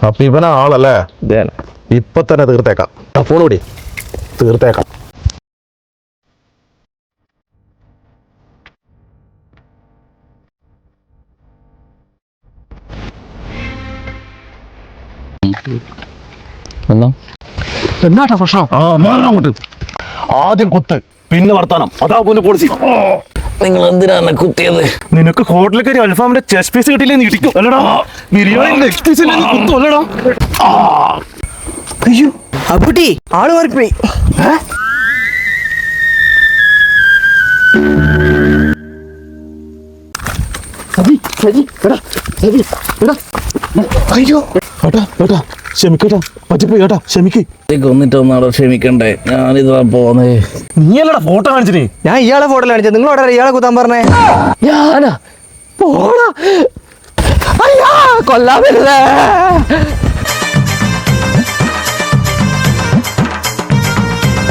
അപ്പൊ ഇവനാ ആളല്ലേ? ഇപ്പൊ തന്നെ തീർത്തേക്കാം. ഫോൺ കൂടി തീർത്തേക്കാം. എന്നാട്ടാ പ്രശ്നം? ആദ്യം കുത്ത്, പിന്നെ വർത്താനം. അതാ പോലെ പോളിസി. നിങ്ങൾ എന്തിനാണ് കുത്തിയത്? നിനക്ക് ഹോട്ടലിൽ കയറി അൽഫാമിന്റെ ചെസ്റ്റ് പീസ് കിട്ടിയില്ലേ? ഇടിക്കും അല്ലടാ. ബിരിയാണി ലെഗ് പീസ് കുത്തും അല്ലടാ. അയ്യോ അപ്പുട്ടി, ആള് മാറിപ്പോയി. അയ്യോ ഏട്ടാ ഏട്ടാ ക്ഷമിക്കട്ടാ, പറ്റിപ്പോയി ഏട്ടാ, ക്ഷമിക്ക്. കൊന്നിട്ടൊന്നാടോ ക്ഷമിക്കണ്ടേ? ഞാനിതാ പോന്നേ. നീയല്ലടാ ഫോട്ടോ കാണിച്ചിനി. ഞാൻ ഇയാളെ ഫോട്ടോ കാണിച്ചത്. നിങ്ങളോட ഇയാളെ കുത്താൻ പറഞ്ഞേ? ഞാനാ? പോടാ. അയ്യാ, കൊല്ലാൻ വരുന്നേ.